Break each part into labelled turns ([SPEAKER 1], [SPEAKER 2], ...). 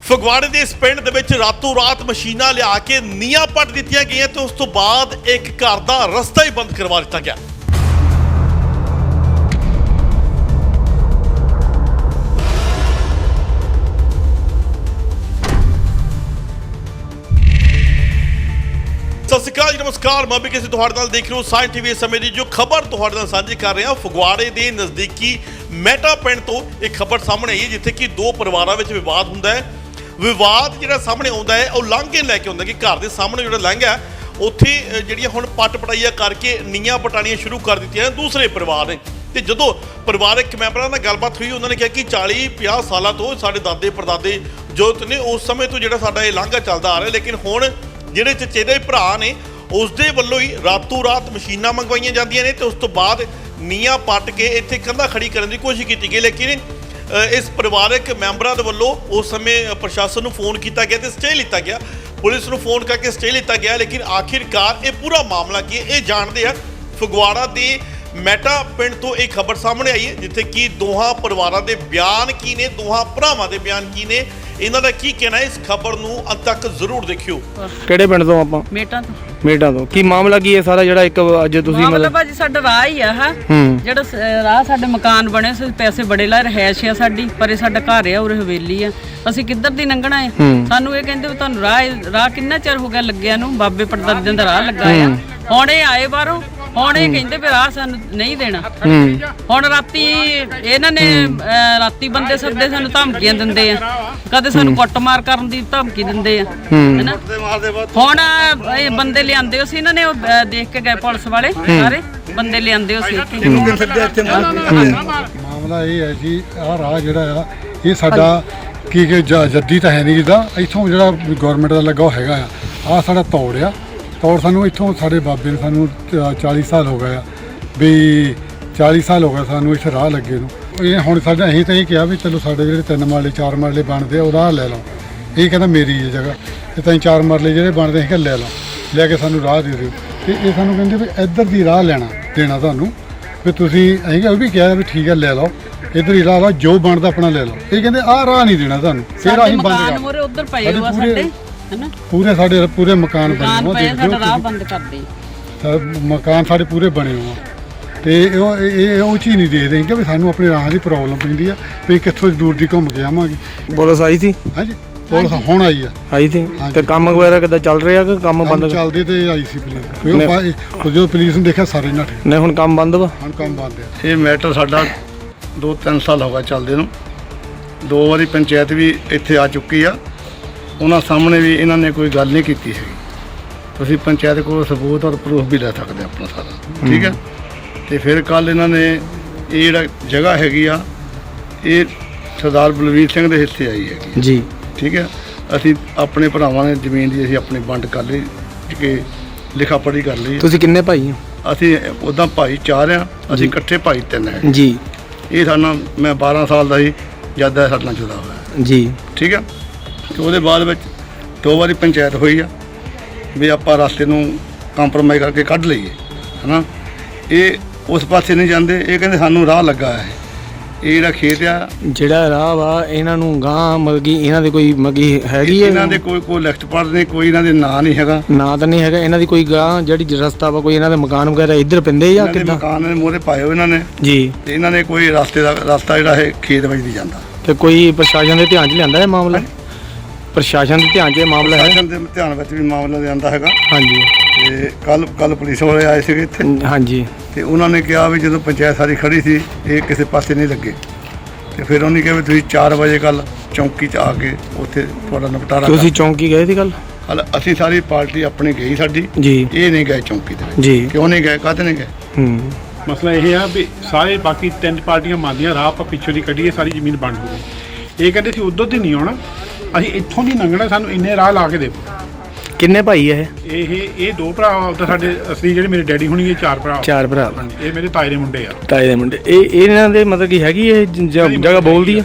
[SPEAKER 1] ਫਗਵਾੜੇ ਦੇ ਇਸ ਪਿੰਡ ਦੇ ਵਿੱਚ ਰਾਤੋਂ ਰਾਤ ਮਸ਼ੀਨਾਂ ਲਿਆ ਕੇ ਨੀਹਾਂ ਪੱਟ ਦਿੱਤੀਆਂ ਗਈਆਂ ਤੇ ਉਸ ਤੋਂ ਬਾਅਦ ਇੱਕ ਘਰ ਦਾ ਰਸਤਾ ਹੀ ਬੰਦ ਕਰਵਾ ਦਿੱਤਾ ਗਿਆ। ਸਤਿ ਸ਼੍ਰੀ ਅਕਾਲ ਜੀ, ਨਮਸਕਾਰ। ਮੈਂ ਵੀ ਕਿਸੇ ਤੁਹਾਡੇ ਨਾਲ ਦੇਖ ਰਹੇ ਹੋ ਸਾਇੰਸ ਟੀਵੀ। ਇਸ ਸਮੇਂ ਦੀ ਜੋ ਖਬਰ ਤੁਹਾਡੇ ਨਾਲ ਸਾਂਝੀ ਕਰ ਰਹੇ ਹਾਂ, ਫਗਵਾੜੇ ਦੇ ਨਜ਼ਦੀਕੀ ਮਹਿਟਾ ਪਿੰਡ ਤੋਂ ਇੱਕ ਖਬਰ ਸਾਹਮਣੇ ਆਈ ਹੈ, ਜਿੱਥੇ ਕਿ ਦੋ ਪਰਿਵਾਰਾਂ ਵਿੱਚ ਵਿਵਾਦ ਹੁੰਦਾ ਹੈ। ਵਿਵਾਦ ਜਿਹੜਾ ਸਾਹਮਣੇ ਆਉਂਦਾ ਹੈ ਉਹ ਲਾਂਘੇ ਲੈ ਕੇ ਆਉਂਦਾ ਕਿ ਘਰ ਦੇ ਸਾਹਮਣੇ ਜਿਹੜਾ ਲੰਘਾ ਉੱਥੇ ਜਿਹੜੀਆਂ ਹੁਣ ਪੱਟ ਪਟਾਈਆਂ ਕਰਕੇ ਨੀਹਾਂ ਪਟਾਣੀਆਂ ਸ਼ੁਰੂ ਕਰ ਦਿੱਤੀਆਂ ਦੂਸਰੇ ਪਰਿਵਾਰ ਨੇ। ਤੇ ਜਦੋਂ ਪਰਿਵਾਰਕ ਮੈਂਬਰਾਂ ਨਾਲ ਗੱਲਬਾਤ ਹੋਈ, ਉਹਨਾਂ ਨੇ ਕਿਹਾ ਕਿ 40-50 ਸਾਲਾਂ ਤੋਂ ਸਾਡੇ ਦਾਦੇ ਪੜਦਾਦੇ ਜੋ ਨੇ ਉਸ ਸਮੇਂ ਤੋਂ ਜਿਹੜਾ ਸਾਡਾ ਇਹ ਲਾਂਘਾ ਚੱਲਦਾ ਆ ਰਿਹਾ, ਲੇਕਿਨ ਹੁਣ ਜਿਹੜੇ ਚਚੇਰੇ ਭਰਾ ਨੇ ਉਸ ਦੇ ਵੱਲੋਂ ਹੀ ਰਾਤੋਂ ਰਾਤ ਮਸ਼ੀਨਾਂ ਮੰਗਵਾਈਆਂ ਜਾਂਦੀਆਂ ਨੇ ਤੇ ਉਸ ਤੋਂ ਬਾਅਦ ਨੀਹਾਂ ਪੱਟ ਕੇ ਇੱਥੇ ਕੰਧਾਂ ਖੜੀ ਕਰਨ ਦੀ ਕੋਸ਼ਿਸ਼ ਕੀਤੀ ਗਈ। ਲੇਕਿਨ ਇਸ ਪਰਿਵਾਰਕ ਮੈਂਬਰਾਂ ਦੇ ਵੱਲੋਂ ਉਸ ਸਮੇਂ ਪ੍ਰਸ਼ਾਸਨ ਨੂੰ ਫੋਨ ਕੀਤਾ ਗਿਆ ਤੇ ਸਟੇ ਲਿੱਤਾ ਗਿਆ, ਪੁਲਿਸ ਨੂੰ ਫੋਨ ਕਰਕੇ ਸਟੇ ਲਿੱਤਾ ਗਿਆ। ਲੇਕਿਨ ਆਖਿਰਕਾਰ ਇਹ ਪੂਰਾ ਮਾਮਲਾ ਕੀ ਹੈ ਇਹ ਜਾਣਦੇ ਆ। ਫਗਵਾੜਾ ਦੇ ਮਹਿਟਾ ਪਿੰਡ ਤੋਂ ਇਹ ਖਬਰ ਸਾਹਮਣੇ ਆਈ ਹੈ, ਜਿੱਥੇ ਕਿ ਦੋਹਾਂ ਪਰਿਵਾਰਾਂ ਦੇ ਬਿਆਨ ਕੀ ਨੇ, ਦੋਹਾਂ ਭਰਾਵਾਂ ਦੇ ਬਿਆਨ ਕੀ ਨੇ, ਇਹਨਾਂ ਦਾ ਕੀ ਕਹਿਣਾ ਹੈ। ਇਸ ਖਬਰ ਨੂੰ ਅੰਤ ਤੱਕ ਜ਼ਰੂਰ ਦੇਖਿਓ।
[SPEAKER 2] ਕਿਹੜੇ ਪਿੰਡ ਤੋਂ ਆਪਾਂ? ਮੇਟਾਂ ਤੋਂ। ਕੀ ਮਾਮਲਾ ਕੀ ਹੈ ਸਾਰਾ ਜਿਹੜਾ ਇੱਕ ਅੱਜ ਤੁਸੀਂ
[SPEAKER 3] ਮਤਲਬ ਭਾਜੀ ਸਾਡਾ ਰਾਹ ਹੀ ਆ ਜਿਹੜਾ ਰਾਹ ਸਾਡੇ ਮਕਾਨ ਬਣੇ ਸੀ, ਪੈਸੇ ਬੜੇ ਲਾ ਰਹਿائش ਆ ਸਾਡੀ, ਪਰ ਇਹ ਸਾਡਾ ਘਰ ਆ, ਉਰੇ ਹਵੇਲੀ ਆ, ਅਸੀਂ ਕਿੱਧਰ ਦੀ ਲੰਘਣਾ ਹੈ। ਸਾਨੂੰ ਇਹ ਕਹਿੰਦੇ ਵੀ ਤੁਹਾਨੂੰ ਰਾਹ ਕਿੰਨਾ ਚਿਰ ਹੋ ਗਿਆ ਲੱਗਿਆ ਨੂੰ, ਬਾਬੇ ਪੜਦਾਦਿਆਂ ਦਾ ਰਾਹ ਲੱਗਾ ਆ। ਹੁਣ ਇਹ ਆਏ ਬਾਹਰੋਂ, ਹੁਣ ਇਹ ਕਹਿੰਦੇ ਵੀ ਰਾਹ ਸਾਨੂੰ ਨਹੀਂ ਦੇਣਾ। ਹੁਣ ਰਾਤੀ ਇਹਨਾਂ ਨੇ ਰਾਤੀ ਬੰਦੇ ਸੱਦੇ ਸਾਨੂੰ ਧਮਕੀਆਂ ਦਿੰਦੇ ਆ, ਕਦੇ ਸਾਨੂੰ ਕੁੱਟਮਾਰ ਕਰਨ ਦੀ ਧਮਕੀ ਦਿੰਦੇ ਆ, ਹੈਨਾ। ਹੁਣ ਇਹ ਬੰਦੇ ਲਿਆਂਦੇ ਸੀ ਇਹਨਾਂ ਨੇ, ਉਹ ਦੇਖ ਕੇ ਗਏ ਪੁਲਿਸ ਵਾਲੇ, ਸਾਰੇ ਬੰਦੇ ਲਿਆਂਦੇ ਸੀ।
[SPEAKER 4] ਮਾਮਲਾ ਇਹ ਹੈ ਜੀ, ਆਹ ਰਾਹ ਜਿਹੜਾ ਆ ਇਹ ਸਾਡਾ ਕੀ ਜੱਦੀ ਤਾਂ ਹੈ ਨਹੀਂ, ਜਿੱਦਾਂ ਇੱਥੋਂ ਜਿਹੜਾ ਗੌਰਮੈਂਟ ਦਾ ਲੱਗਾ ਉਹ ਹੈਗਾ ਆ। ਆਹ ਸਾਡਾ ਤੌੜ ਆ, ਤੌੜ ਸਾਨੂੰ ਇੱਥੋਂ ਸਾਡੇ ਬਾਬੇ ਨੇ ਸਾਨੂੰ 40 ਸਾਲ ਹੋ ਗਏ ਆ, ਵੀ 40 ਸਾਲ ਹੋ ਗਏ ਸਾਨੂੰ ਇੱਥੇ ਰਾਹ ਲੱਗੇ ਨੂੰ। ਇਹ ਹੁਣ ਸਾਡਾ ਅਸੀਂ ਤਾਂ ਇਹ ਕਿਹਾ ਵੀ ਚਲੋ ਸਾਡੇ ਜਿਹੜੇ 3 ਮਰਲੇ 4 ਮਰਲੇ ਬਣਦੇ ਆ ਉਹ ਰਾਹ ਲੈ ਲਓ। ਇਹ ਕਹਿੰਦਾ ਮੇਰੀ ਇਹ ਜਗ੍ਹਾ, ਤੇ ਤਾਂ 4 ਮਰਲੇ ਜਿਹੜੇ ਬਣਦੇ ਅਸੀਂ ਲੈ ਲਓ, ਲੈ ਕੇ ਸਾਨੂੰ ਰਾਹ ਦੇ ਦਿਓ। ਤੇ ਇਹ ਸਾਨੂੰ ਕਹਿੰਦੇ ਵੀ ਇੱਧਰ ਦੀ ਰਾਹ ਦੇਣਾ ਤੁਹਾਨੂੰ, ਵੀ ਤੁਸੀਂ ਅਸੀਂ ਉਹ ਵੀ ਕਿਹਾ ਵੀ ਠੀਕ ਹੈ ਲੈ ਲਓ, ਇੱਧਰ ਹੀ ਰਾਹ ਲਓ, ਜੋ ਬਣਦਾ ਆਪਣਾ ਲੈ ਲਓ। ਇਹ ਕਹਿੰਦੇ ਆਹ ਰਾਹ ਨਹੀਂ ਦੇਣਾ ਤੁਹਾਨੂੰ, ਫਿਰ ਅਸੀਂ ਬੰਦ ਕਰ
[SPEAKER 3] ਉਧਰ ਪਏ ਹੋਆ ਸਾਡੇ, ਹੈਨਾ,
[SPEAKER 4] ਸਾਡੇ ਪੂਰੇ ਮਕਾਨ ਬਣੇ ਹੋਏ,
[SPEAKER 3] ਸਾਡਾ ਰਾਹ ਬੰਦ ਕਰ ਦੇ।
[SPEAKER 4] ਮਕਾਨ ਸਾਡੇ ਪੂਰੇ ਬਣੇ ਹੋਏ ਆ, ਤੇ ਉਹ ਚੀਜ਼ ਨਹੀਂ ਦੇਖਦੇ ਕਿ ਵੀ ਸਾਨੂੰ ਆਪਣੇ ਰਾਹ ਦੀ ਪ੍ਰੋਬਲਮ ਪੈਂਦੀ ਆ, ਵੀ ਕਿੱਥੋਂ ਦੂਰ ਦੀ ਘੁੰਮ ਕੇ ਆਵਾਂਗੇ।
[SPEAKER 2] ਪੁਲਿਸ ਆਈ ਸੀ?
[SPEAKER 4] ਹਾਂਜੀ, ਪੁਲਿਸ ਹੁਣ ਆਈ ਸੀ। ਤੇ
[SPEAKER 2] ਕੰਮ ਵਗੈਰਾ ਕਿੱਦਾਂ ਚੱਲ ਰਿਹਾ ਕਿ ਕੰਮ ਬੰਦ?
[SPEAKER 4] ਚੱਲਦੇ ਤੇ ਆਈ ਸੀ ਪੁਲਿਸ, ਜਦੋਂ ਪੁਲਿਸ ਨੂੰ ਦੇਖਿਆ ਸਾਰੇ ਨੱਠੇ।
[SPEAKER 2] ਨਹੀਂ ਹੁਣ ਕੰਮ ਬੰਦ ਵਾ?
[SPEAKER 4] ਹੁਣ ਕੰਮ ਬੰਦ ਆ।
[SPEAKER 5] ਇਹ ਮੈਟਰ ਸਾਡਾ 2-3 ਸਾਲ ਹੋ ਗਏ ਚੱਲਦੇ ਨੂੰ। 2 ਵਾਰੀ ਪੰਚਾਇਤ ਵੀ ਇੱਥੇ ਆ ਚੁੱਕੀ ਆ, ਉਹਨਾਂ ਸਾਹਮਣੇ ਵੀ ਇਹਨਾਂ ਨੇ ਕੋਈ ਗੱਲ ਨਹੀਂ ਕੀਤੀ ਹੈਗੀ। ਤੁਸੀਂ ਪੰਚਾਇਤ ਕੋਲ ਸਬੂਤ ਔਰ ਪ੍ਰੂਫ ਵੀ ਲੈ ਸਕਦੇ ਆਪਣਾ ਸਾਰਾ, ਠੀਕ ਹੈ। ਤੇ ਫਿਰ ਕੱਲ ਇਹਨਾਂ ਨੇ ਇਹ ਜਿਹੜਾ ਜਗ੍ਹਾ ਹੈਗੀ ਆ, ਇਹ ਸਰਦਾਰ ਬਲਵੀਰ ਸਿੰਘ ਦੇ ਹਿੱਸੇ ਆਈ ਹੈਗੀ
[SPEAKER 2] ਜੀ,
[SPEAKER 5] ਠੀਕ ਹੈ। ਅਸੀਂ ਆਪਣੇ ਭਰਾਵਾਂ ਨੇ ਜ਼ਮੀਨ ਦੀ ਅਸੀਂ ਆਪਣੀ ਵੰਡ ਕਰ ਲਈ, ਕਿ ਲਿਖਾ ਪੜ੍ਹੀ ਕਰ ਲਈ।
[SPEAKER 2] ਤੁਸੀਂ ਕਿੰਨੇ ਭਾਈ ਹੋ?
[SPEAKER 5] ਅਸੀਂ ਉੱਦਾਂ ਭਾਈ 4 ਆ, ਅਸੀਂ ਇਕੱਠੇ ਭਾਈ 3 ਹੈ
[SPEAKER 2] ਜੀ।
[SPEAKER 5] ਇਹ ਸਾਡਾ ਮੈਂ 12 ਸਾਲ ਦਾ ਸੀ ਜਦ ਦਾ ਸਾਡੇ ਨਾਲ ਜੁਦਾ ਹੋਇਆ
[SPEAKER 2] ਜੀ,
[SPEAKER 5] ਠੀਕ ਹੈ। ਤੇ ਉਹਦੇ ਬਾਅਦ ਵਿੱਚ 2 ਵਾਰੀ ਪੰਚਾਇਤ ਹੋਈ ਆ ਵੀ ਆਪਾਂ ਰਸਤੇ ਨੂੰ ਕੰਪਰੋਮਾਈਜ਼ ਕਰਕੇ ਕੱਢ ਲਈਏ, ਹੈ ਨਾ। ਇਹ ਉਸ ਪਾਸੇ ਨਹੀਂ ਜਾਂਦੇ, ਇਹ ਕਹਿੰਦੇ ਸਾਨੂੰ ਰਾਹ ਲੱਗਾ ਹੈ। ਇਹ ਜਿਹੜਾ ਖੇਤ ਆ,
[SPEAKER 2] ਜਿਹੜਾ ਰਾਹ ਵਾ ਇਹਨਾਂ ਨੂੰ ਗਾਂ ਮਲਗੀ ਇਹਨਾਂ ਦੇ ਕੋਈ ਮਗੀ ਹੈਗੀ ਹੈ?
[SPEAKER 5] ਇਹਨਾਂ ਦੇ ਕੋਈ ਲਿਖਤ ਪੜ੍ਹ ਨਹੀਂ, ਕੋਈ ਇਹਨਾਂ ਦੇ ਨਾਂ ਨਹੀਂ ਹੈਗਾ।
[SPEAKER 2] ਨਾਂ ਤਾਂ ਨਹੀਂ ਹੈਗਾ ਇਹਨਾਂ ਦੀ ਕੋਈ ਗਾਂ ਜਿਹੜੀ ਰਸਤਾ ਵਾ, ਕੋਈ ਇਹਨਾਂ ਦੇ ਮਕਾਨ ਵਗੈਰਾ ਇੱਧਰ ਪੈਂਦੇ ਜਾਂ ਕਿੱਦਾਂ?
[SPEAKER 5] ਮਕਾਨ ਦੇ ਮੂਹਰੇ ਪਾਏ ਹੋਏ ਇਹਨਾਂ ਨੇ
[SPEAKER 2] ਜੀ,
[SPEAKER 5] ਤੇ ਇਹਨਾਂ ਨੇ ਕੋਈ ਰਸਤਾ ਜਿਹੜਾ ਇਹ ਖੇਤ ਵਿੱਚ ਦੀ ਜਾਂਦਾ।
[SPEAKER 2] ਤੇ ਕੋਈ ਪ੍ਰਸ਼ਾਸਨ ਦੇ ਧਿਆਨ 'ਚ ਲਿਆਂਦਾ ਇਹ ਮਾਮਲਾ? ਪ੍ਰਸ਼ਾਸਨ ਦੇ ਧਿਆਨ 'ਚ ਇਹ ਮਾਮਲਾ ਹੈ?
[SPEAKER 5] ਪ੍ਰਸ਼ਾਸਨ ਦੇ ਧਿਆਨ ਵਿੱਚ ਵੀ ਮਾਮਲਾ ਲਿਆਂਦਾ ਹੈਗਾ।
[SPEAKER 2] ਹਾਂਜੀ।
[SPEAKER 5] ਤੇ ਕੱਲ ਪੁਲਿਸ ਵਾਲੇ ਆਏ ਸੀਗੇ ਇੱਥੇ।
[SPEAKER 2] ਹਾਂਜੀ।
[SPEAKER 5] ਤੇ ਉਹਨਾਂ ਨੇ ਕਿਹਾ ਵੀ ਜਦੋਂ ਪੰਚਾਇਤ ਸਾਰੀ ਖੜੀ ਸੀ ਇਹ ਕਿਸੇ ਪਾਸੇ ਨਹੀਂ ਲੱਗੇ, ਤੇ ਫਿਰ ਉਹਨੇ ਕਿਹਾ ਵੀ ਤੁਸੀਂ 4 ਵਜੇ ਕੱਲ ਚੌਂਕੀ 'ਚ ਆ ਕੇ ਉੱਥੇ ਤੁਹਾਡਾ ਨਿਪਟਾਰਾ।
[SPEAKER 2] ਤੁਸੀਂ ਚੌਂਕੀ ਗਏ ਸੀ ਕੱਲ?
[SPEAKER 5] ਅਸੀਂ ਸਾਰੀ ਪਾਰਟੀ ਆਪਣੀ ਗਈ ਸਾਡੀ
[SPEAKER 2] ਜੀ, ਇਹ
[SPEAKER 5] ਨਹੀਂ ਗਏ ਚੌਂਕੀ ਦੇ ਵਿੱਚ
[SPEAKER 2] ਜੀ।
[SPEAKER 5] ਕਿਉਂ ਨਹੀਂ ਗਏ, ਕਾਹਤੇ ਨਹੀਂ ਗਏ?
[SPEAKER 6] ਮਸਲਾ ਇਹ ਆ ਵੀ ਸਾਰੇ ਬਾਕੀ 3 ਪਾਰਟੀਆਂ ਮੰਨਦੀਆਂ ਰਾਹ ਆਪਾਂ ਪਿੱਛੋਂ ਦੀ ਕੱਢੀਏ, ਸਾਰੀ ਜ਼ਮੀਨ ਵੰਡ ਹੋ ਗਈ। ਇਹ ਕਹਿੰਦੇ ਸੀ ਉਧਰ ਦੀ ਨਹੀਂ ਆਉਣਾ, ਅਸੀਂ ਇੱਥੋਂ ਦੀ ਲੰਘਣਾ, ਸਾਨੂੰ ਇੰਨੇ ਰਾਹ ਲਾ ਕੇ ਦਿਓ।
[SPEAKER 2] ਕਿੰਨੇ ਭਾਈ ਹੈ
[SPEAKER 6] ਇਹ 2 ਭਰਾ ਤਾਂ ਸਾਡੇ ਅਸਲੀ ਜਿਹੜੇ ਮੇਰੇ ਡੈਡੀ ਹੋਣੀ, ਇਹ 4 ਭਰਾ।
[SPEAKER 2] 4 ਭਰਾ।
[SPEAKER 6] ਇਹ ਮੇਰੇ ਤਾਏ ਦੇ ਮੁੰਡੇ ਆ।
[SPEAKER 2] ਤਾਏ ਦੇ ਮੁੰਡੇ। ਇਹਨਾਂ ਦੇ ਮਤਲਬ ਕੀ ਹੈਗੀ ਇਹ ਜਗ੍ਹਾ ਬੋਲਦੀ ਆ?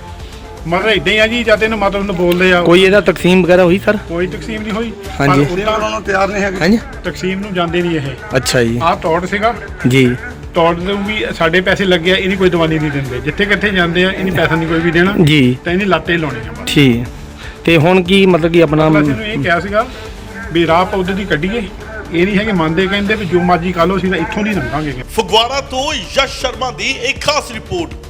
[SPEAKER 6] ਮਤਲਬ ਇਦਾਂ ਹੀ ਆ ਜੀ, ਜਦ ਇਹਨੂੰ ਮਤਲਬ ਨੂੰ ਬੋਲਦੇ ਆ।
[SPEAKER 2] ਕੋਈ ਇਹਦਾ ਤਕਸੀਮ ਵਗੈਰਾ ਹੋਈ ਸਰ?
[SPEAKER 6] ਕੋਈ ਤਕਸੀਮ ਨਹੀਂ ਹੋਈ।
[SPEAKER 2] ਹਾਂਜੀ।
[SPEAKER 5] ਉਹਨਾਂ ਨੂੰ ਤਿਆਰ ਨਹੀਂ ਹੈਗੇ।
[SPEAKER 2] ਹਾਂਜੀ,
[SPEAKER 6] ਤਕਸੀਮ ਨੂੰ ਜਾਂਦੇ ਨਹੀਂ ਇਹ।
[SPEAKER 2] ਅੱਛਾ ਜੀ।
[SPEAKER 6] ਆਹ ਤੌੜ ਸੀਗਾ
[SPEAKER 2] ਜੀ,
[SPEAKER 6] ਤੌੜ ਨੂੰ ਵੀ ਸਾਡੇ ਪੈਸੇ ਲੱਗੇ ਆ, ਇਹਨੀ ਕੋਈ ਦਵਾਈ ਨਹੀਂ ਦਿੰਦੇ। ਜਿੱਥੇ ਕਿੱਥੇ ਜਾਂਦੇ ਆ ਇਹਨੀ ਪੈਸਾ ਨਹੀਂ ਕੋਈ ਵੀ ਦੇਣਾ
[SPEAKER 2] ਜੀ,
[SPEAKER 6] ਤਾਂ ਇਹਨੀ ਲਾਤੇ ਲਾਉਣੇ ਆ।
[SPEAKER 2] ਠੀਕ। ਤੇ ਹੁਣ ਕੀ ਮਤਲਬ ਕਿ ਆਪਣਾ
[SPEAKER 6] ਅਸੀਂ ਨੂੰ ਇਹ ਕਿਹਾ ਸੀਗਾ ਵੀ ਰਾਹ ਆਪਾਂ ਉੱਧਰ ਦੀ ਕੱਢੀਏ, ਇਹ ਨਹੀਂ ਹੈ ਕਿ ਮੰਨਦੇ, ਕਹਿੰਦੇ ਵੀ ਜੋ ਮਰਜ਼ੀ ਕਰ ਲਓ, ਅਸੀਂ ਤਾਂ ਇੱਥੋਂ ਦੀ ਲੰਘਾਂਗੇ।
[SPEAKER 1] ਫਗਵਾੜਾ ਤੋਂ ਯਸ਼ ਸ਼ਰਮਾ ਦੀ ਇੱਕ ਖਾਸ ਰਿਪੋਰਟ।